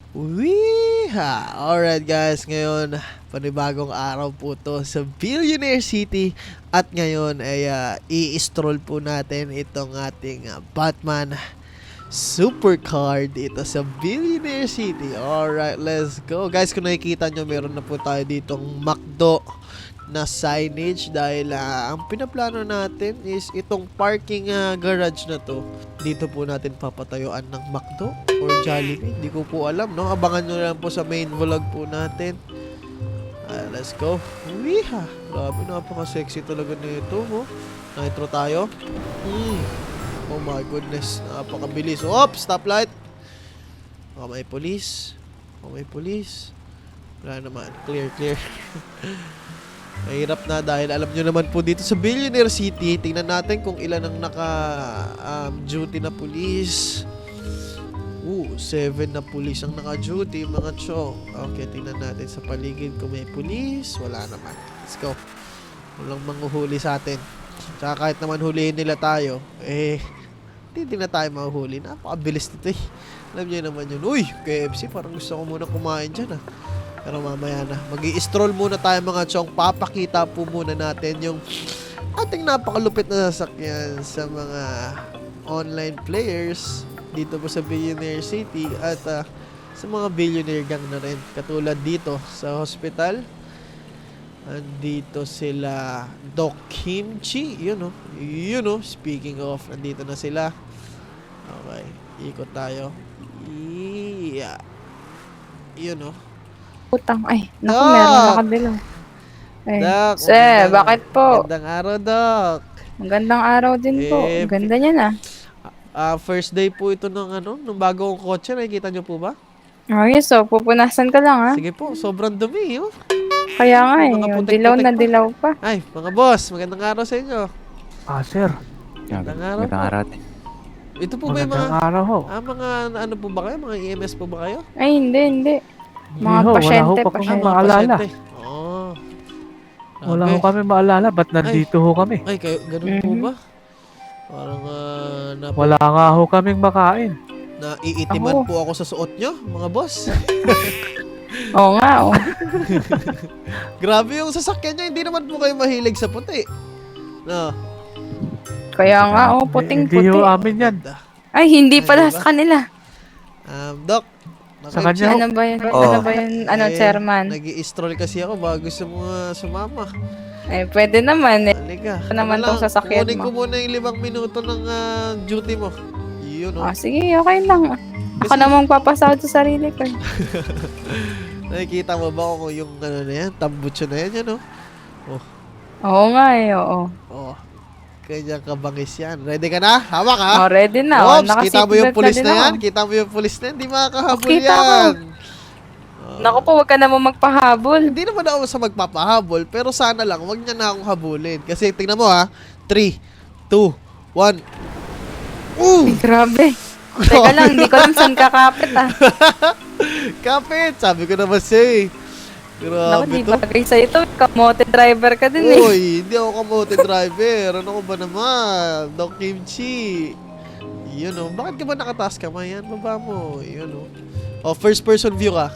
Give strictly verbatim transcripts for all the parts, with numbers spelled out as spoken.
Weeha! Alright guys, ngayon panibagong araw po to sa Billionaire City at ngayon ay uh, i-stroll po natin itong ating uh, Batman Supercard dito sa Billionaire City. Alright, let's go. Guys, kung nakikita nyo, meron na po tayo ditong McDo na signage dahil uh, ang pinaplano natin is itong parking uh, garage na to. Dito po natin papatayuan ng McDo or Jollibee. Hindi ko po alam, no? Abangan nyo lang po sa main vlog po natin. Uh, let's go. Wiha! Grabe, napaka-sexy talaga nito, oh. Nitro tayo. Mm. Oh my goodness, napakabilis. Oops, stoplight. Oh, may police. Oh, may police. Wala naman. Clear, clear. Mahirap na dahil alam nyo naman po dito sa Billionaire City, tingnan natin kung ilan ang naka-duty um, na police. Ooh, seven na police ang naka-duty, mga chong. Okay, tingnan natin sa paligid kung may police. Wala naman. Let's go. Walang manghuhuli sa atin. Tsaka kahit naman hulihin nila tayo, eh, hindi na tayo mahuhuli. Napakabilis nito eh. Alam nyo naman yun. Uy, K F C, parang gusto ko muna kumain dyan ah. Pero mamaya na. Mag-i-stroll muna tayo mga chong. Papakita po muna natin yung ating napakalupit na sasakyan sa mga online players dito po sa Billionaire City at uh, sa mga billionaire gang na rin. Katulad dito sa hospital. Andito sila Doc Kimchi. Yun o. Yun o. Speaking of, andito na sila. Okay. Ikot tayo. Yeah. Yun o. Putang, ay, naku, Doc! meron nakadilaw. Ay, Doc, sir, magandang- bakit po? Magandang araw, Doc. Magandang araw din po. Eh, Ang ganda niya na. Ah, first day po ito ng ano, ng bagong kotse. Nakikita niyo po ba? Ayos, so, pupunasan ka lang, ha? Sige po, sobrang dumi, oh. Kaya nga, eh, Mga yung putik-putik dilaw na pa. dilaw pa. Ay, mga boss, magandang araw sa inyo. Ah, sir. Magandang araw Magandang po. araw din. Ito po ba yung Magandang mga, araw ho. ah, mga ano po ba kayo? Mga E M S po ba kayo? Ay, hindi, hindi. Hindi Mga ho, pasyente, wala ho pa kami pasyente. maalala. pasyente. Oo. Wala Grabe. ho kami maalala. Ba't nandito ho kami? Ay, kayo, ganun po Mhm. ba? Parang, ah, na, Wala nga ho kaming makain. naiitiman Ako. po ako sa suot nyo, mga boss. Oo nga, oh. Grabe yung sasakyan nyo, hindi naman po kayo mahilig sa puti. No. Kaya nga, oh, Hindi puting-puti. ho amin yan. Ganda. Ay, hindi Ay, pala di ba? sa kanila. Um, Doc. Sa kanya ho. Ano ba yun? Oo. Ano ba yun? Ano, Eh, chairman? Nag-i-stroll kasi ako bago gusto mo uh, sumama. Ay, pwede naman, eh. Halika. Ano naman tong lang, sasakyan kunin ko mo? muna yung limang minuto ng ah, duty mo. Yun o. Ah, sige, okay lang. Ako Kasi- namang papasahod sa sarili ko. eh. Nakikita mo ba kung yung ano na yan? Tambutso na yan, yan o. Oo nga, eh, oo. Oh. Kanya kabangis yan. Ready ka na? Hawak ha? Oh, ready na. Oh, Oops, kita mo yung naka-seatbelt pulis din na ako. yan? Kita mo yung pulis na yan? Di makakahabol Kita ko. yan. Oh. Naku po, wag ka naman magpahabol. Hindi naman ako sa magpapahabol, pero sana lang, wag niya na akong habulin. Kasi tingnan mo ha, three, two, one. Ooh! Ay, grabe. Teka lang, hindi ko alam saan kakapit ah. Kapit! Sabi ko naman siya eh. Naku, Grabe di to. bagay sa ito. Kamote driver ka din eh. Uy, hindi ako kamote driver. Ano ko ba naman? Doc Kimchi. Yun o. Bakit ka ba nakataas kamay yan? Baba mo. Yun o. Oh, first person view ka.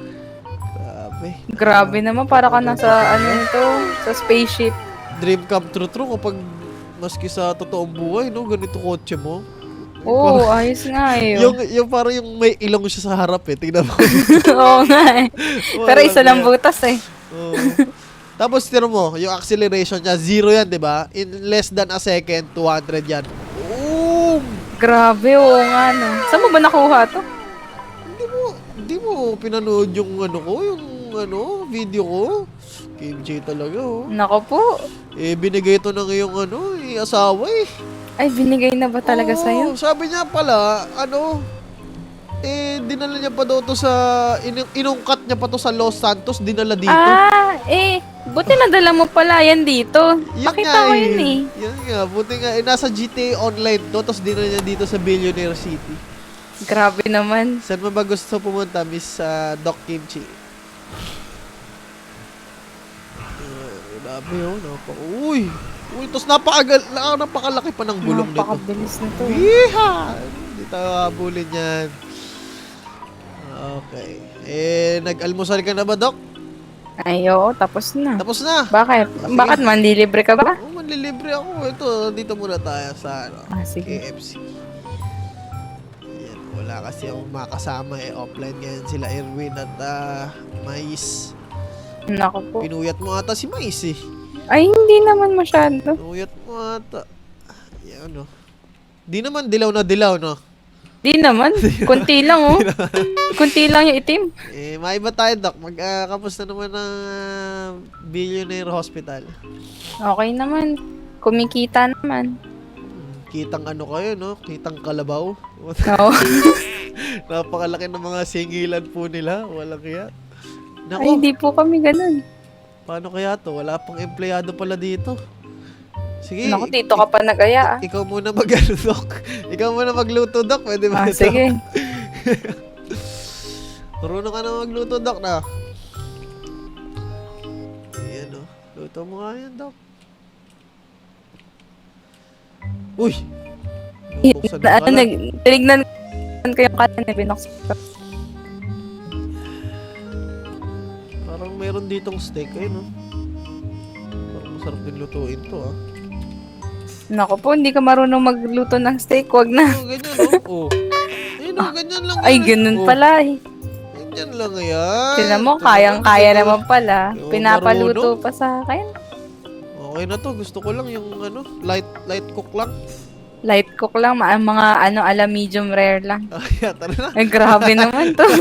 Grabe. Grabe naman, para ka nasa ano ito, sa spaceship. Dream come true true kapag maski sa totoong buhay, no? Ganito kotse mo. Oo, oh, ayos nga eh. Yung, yung parang yung may ilong siya sa harap eh. Tingnan mo. Oo nga eh. Pero isa lang butas eh. Oo. Tapos tira mo, yung acceleration niya, zero yan, di ba? In less than a second, two hundred yan. Boom! Grabe, oo nga no. Saan mo ba nakuha to? Hindi mo, hindi mo pinanood yung ano ko, yung ano, video ko. Kim J talaga, oh. Nako po. Eh, binigay ito ng iyong ano, eh, asawa eh. Ay, binigay na ba talaga Oo, sa'yo? Sabi niya pala, ano, eh, dinala niya pa daw to sa, in, inungkat niya pa to sa Los Santos, dinala dito. Ah, eh, buti nadala mo pala yan dito. Yun Nakita nga ko yun eh. Yun nga, buti nga, eh, nasa G T A Online to, tapos dinala niya dito sa Billionaire City. Grabe naman. Saan mo ba gusto pumunta, Miss uh, Doc Kimchi? Uh, grabe oh, napa, uy! Uy, tapos napakagal, na- napakalaki pa ng gulong nito. Napakabilis nito. eh. Yeeha! Hindi tayo habulin yan. Okay. Eh, nag-almusal ka na ba, Doc? Ay, oo, tapos na. Tapos na. Bakit? Sige. Bakit manlilibre ka ba? Oh, manlilibre ako. Ito, dito muna tayo sa ano, Ah, sige. K F C. Yan, wala kasi akong makasama eh. Offline ngayon sila Erwin at ah, Mais. Naku po. Pinuyat mo ata si Mais eh. Ay, hindi naman masyado. Pinuyat mo ata. Yan, no. Di naman dilaw na dilaw, no? Di naman. Kunti lang, oh. Kunti lang yung itim. Eh, maiba tayo, Doc. Mag, uh, kamusta naman ang ah, Billionaire Hospital? Okay naman. Kumikita naman. Hmm, kitang ano kayo, no? Kitang kalabaw. Oo. Napakalaki ng mga singilan po nila. Walang kaya. Ay, Nako, hindi po kami ganun. paano kaya to? Wala pang empleyado pala dito. Sige. Naku, dito ka pa nag-aya, ah. Ikaw muna mag ano, Doc. Ikaw muna magluto, Doc. Pwede ba Ah, ito? sige. Marunong ka na magluto, Doc, na. Ayan, oh. Luto mo nga yan, Doc. Uy! Bubuksan Na, mo ano, pala. nag, tinignan ko yung kanina, binuksan ko. Parang meron ditong steak, eh, no? Parang masarap din lutuin to, ah. Naku po, hindi ka marunong magluto ng steak, wag na. Oh, ganyan, oh. Oh. Ayun, oh, ganyan lang Ay, yan, eh. ganun Oh, pala, eh. Ganyan lang yan. Tinan mo, Ito kayang-kaya ito. naman pala. Oo, Pinapaluto marunong. pa sa akin. Okay na to. Gusto ko lang yung, ano, light light cook lang. Light cook lang, ma- mga ano, ala medium rare lang. Ay, tara na. Ay, grabe naman to.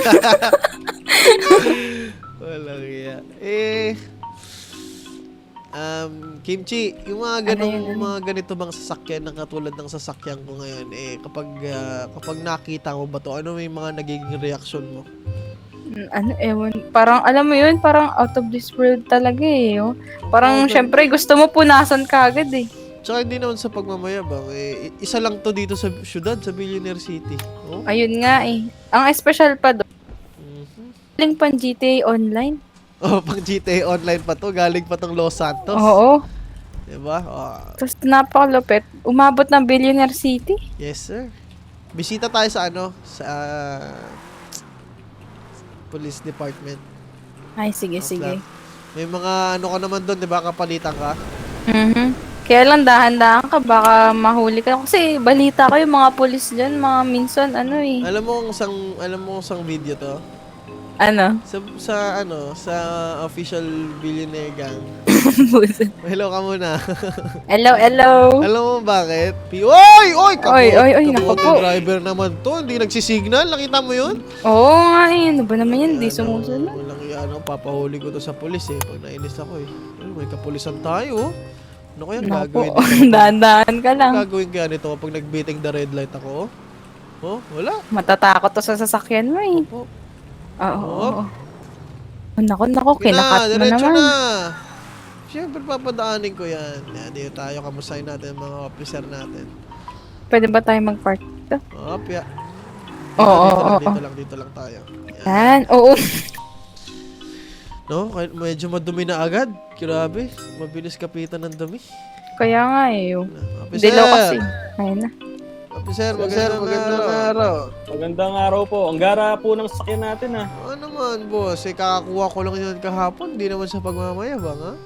Walang iya. Eh, um, Kimchi, yung mga Ano ganong, yun, ano? mga ganito bang sasakyan na katulad ng sasakyan ko ngayon, eh, kapag, ah, kapag nakita mo ba to, ano may mga nagiging reaction mo? Mm, ano, ewan. Parang, alam mo yun, parang out of this world talaga eh. Oh. Parang, Okay. syempre, gusto mo punasan ka agad eh. Tsaka hindi naman sa pagmamayabang, eh, isa lang to dito sa syudad, sa Billionaire City. Oh? Ayun nga eh. Ang special pa doon, Mhm. galing pang G T A Online. Oh, pang G T A Online pa to, galing pa tong Los Santos. Oo. Diba? Oh, Tapos napakalupit. Umabot ng Billionaire City. yes, sir. Bisita tayo sa ano, sa ah, Police Department. Ay, sige, Okay. sige. May mga ano ka naman doon, 'di ba? Kapalitan ka. Mhm. Kaya lang dahan-dahan ka, baka mahuli ka. Kasi balita ko yung mga pulis dyan, mga minsan, ano eh. Alam mo kung sang alam mo kung sang video 'to? Ano? Sa sa ano, sa official Billionaire Gang. Hello ka muna. Hello, hello. Alam mo bakit? Pi- Oy, oy, kamote, Oy, oy, oy, naku kamote po. driver naman 'to. Hindi nagsisignal. Nakita mo 'yun? Oo nga eh. Ano ba naman yan? Di Ano, sumusunod. Walang ano, papahuli ko to sa pulis eh. Pag nainis ako eh. Ano, may kapulisan tayo. Ano kaya Naku, gagawin nito? kapag- dahan-dahan ka lang. Gagawin kaya nito kapag nagbiting the red light ako? Oh, wala. Matatakot to sa sasakyan mo eh. Oh, Oo, oo, Oh. oo. Oh, naku, naku, sige na, kinakat mo diretso naman. na. Siyempre, papadaanin ko yan. Yan, dito tayo. Kamustahin natin ang mga officer natin. Pwede ba tayo mag-park dito? Oh, pya. Oo, dito, oo, lang, oo. dito lang, dito lang tayo. Yan. Yan, oo. No, kahit medyo madumi na agad. Grabe, mabilis kapitan ng dumi. Kaya nga eh. oh. Officer, Dilaw kasi. Ayun na. Officer, magandang, magandang araw. Magandang araw po. Ang gara po ng sakyan natin ah. Ano naman, boss? Eh, kakakuha ko lang yun kahapon. Di naman sa pagmamayabang, ha?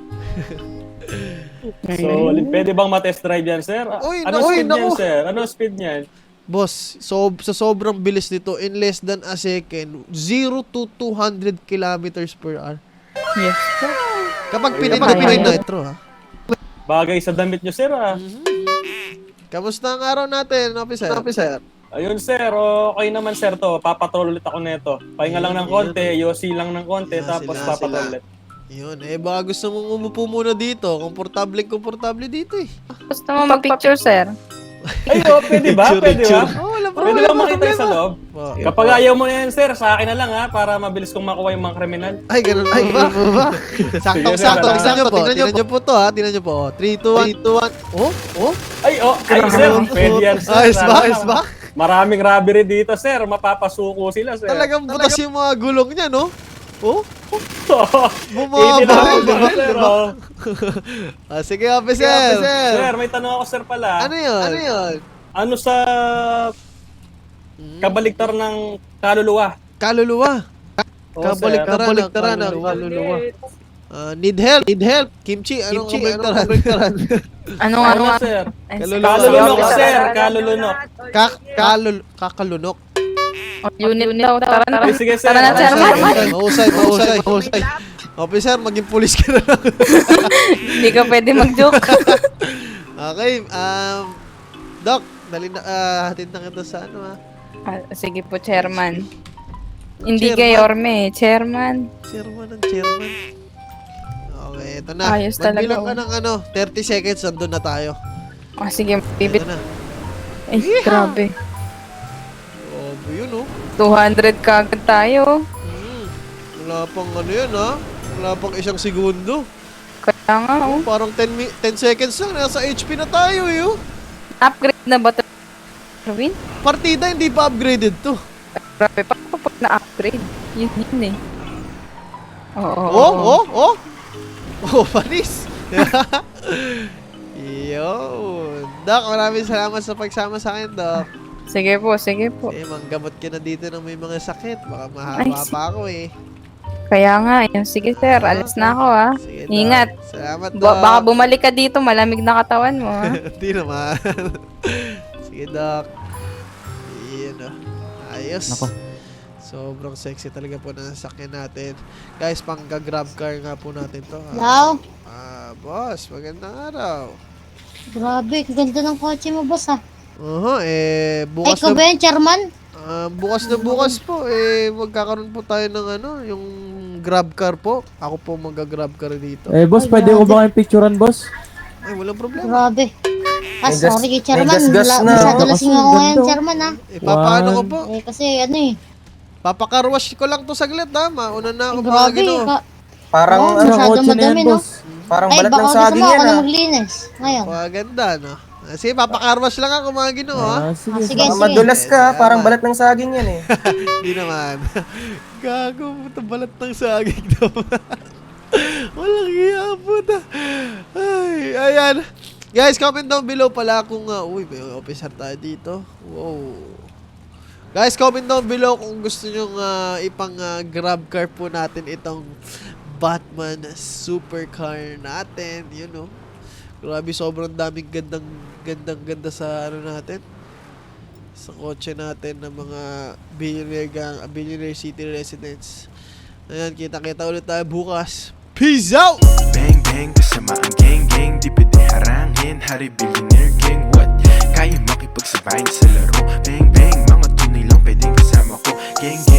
So, pwede bang ma-test drive yan, sir? Ah, Uy, ano naku, speed naku. niyan, sir? Ano speed niyan? Boss, so, sa sobrang bilis nito, in less than a second, zero to two hundred kilometers per hour. Yes. Kapag Ay, pinindot mo ay, yung ay. nitro, ha? Bagay sa damit niyo, sir ah. Kamusta ang araw natin, officer? Officer. Ayun, sir. Okay naman, sir to. Papatrol ulit ako neto. Pahinga lang ng konti, yosi lang ng konti, Yan, tapos sila, papatrol sila. ulit. Yun, eh baka gusto mong umupo muna dito. Komportable, komportable dito eh. Gusto mo mag-picture, sir? Ay, oh, pwede ba? Picture, Pwede ba? picture. Oh, wala Pwede problema, lang makita problema. yung sa loob. Po. Kapag ayaw mo na yan, sir, sa akin na lang ha, para mabilis kong makuha yung mga kriminal. Ay, ganun ba? Ay, ganun ba? Saktong Sige, sakto. sir, Tignan nyo po. tignan Tignan nyo po to ha. Tignan nyo po. three, two, one. Oh? Oh? Ay, oh, ay, sir, pwede yan, sir. Ayos ba? Sana- Ayos ba? Maraming robbery dito, sir. Mapapasuko sila, sir. Talagang butas yung mga gulong niya, no? Oh? Hindi Bumaba. na Diba? sir. oh. Ah, sige, officer. Sir, may tanong ako, sir, pala. Ano yun? Ano yun? Ano sa kabaligtar ng kaluluwa? kaluluwa. Oo, Kabaliktaran, sir. kabaliktaran ang kaluluwa. Ah, need help, need help. Kimchi, anong kabaliktaran? Anong Ano ano? nga, sir? Ay, Kaluluwa. Kalulunok, sorry. sir. Kalulunok. Kak kalul kakalunok. Oh, Unit daw. Tara na. Okay, sige, sir. Tara na, Okay, chairman. Mahusay, mahusay, mahusay, mahusay. Officer, maging pulis ka na lang. Hindi ka pwede mag-joke. Okay, um, Doc, dali na, ah, hatid na kita sa ano, ha? Ah, sige po, chairman. Hindi Chairman. kay Orme, chairman. Chairman ng chairman. Okay, ito na. Ayos talaga, Magbilang ka oh. ng ano, thirty seconds, nandun na tayo. Ah, sige, bibit. Ito na. Ay, grabe. Oh, yun, oh. two hundred kagad tayo. Hmm. Wala pang ano yan, ha? Wala pang isang segundo. Kaya nga, oh. Parang ten, mi- ten seconds lang, nasa H P na tayo, eh, oh. Upgrade na ba ito? Erwin? Partida, hindi pa upgraded to. Grabe, pa pa na-upgrade. Yun yun eh. Oo, oo, Oh, oo. oh, oh. Oh, panis. Yun. Doc, maraming salamat sa pagsama sa akin, Doc. Sige po, sige po. Eh, manggamot ka na dito ng may mga sakit. Baka Ay, mahaba si- pa ako, eh. Kaya nga, yun. Sige sir, alis na ako ah. Sige, Doc. Ingat. Salamat, Doc. Ba- baka bumalik ka dito, malamig na katawan mo ah. Hindi naman. Sige, Doc. Yun, oh. Ayos. Nako. Sobrang sexy talaga po ng sakyan natin. Guys, pangga-grab car nga po natin to. ah. Hello? Ah, boss, magandang araw. Grabe, ganda ng kotse mo, boss, ah. Oho, eh, Ay, bukas ikaw na, ba yan, chairman? ah, bukas na bukas po, eh, magkakaroon po tayo ng ano, yung grab car po. Ako po magga-grab car dito. Eh, boss, Ay, pwede ko grabe. ba kayong picturean, boss? Ay, walang problema. Grabe. Ah, May gas- sorry kay chairman. may gas-gas Wala- na. Masyado lasing ako Ganda. ngayon, chairman, ah. Eh, papaano ko One. po? Eh, kasi ano eh. Papakarwash ko lang to saglit, ha? Mauna na ako Eh, mga grabe. gino. Ka- Parang, Oo, ano, masyado kotse na yan, madami, no? boss. parang Ay, balat baka ng gusto saging mo yan, ako na ah. maglinis. Ngayon. Maganda, no? Ah, sige, papakarwash lang ako mga gino, ha? Ah, sige. Ah, sige. Baka madulas ka, parang balat ng saging yan eh. Hindi naman. Gago, puta, balat ng saging naman. Walang iya, puta. Ay, ayan. Guys, comment down below pala kung, uh, uy, may officer tayo dito. Wow. Guys, comment down below kung gusto nyo uh, ipang uh, grab car po natin itong Batman supercar natin. You know. Grabe, sobrang daming gandang, gandang, ganda sa ano natin. Sa kotse natin ng mga billionaire gang, uh, billionaire city residents. Ayan, kita-kita ulit tayo bukas. Peace out! Bang bang kasama ang gang gang, di pwede harangin. Hari billionaire gang, what? Kaya makipagsabayin sa laro. Bang bang, mga tunay lang pwedeng kasama ko. Gang gang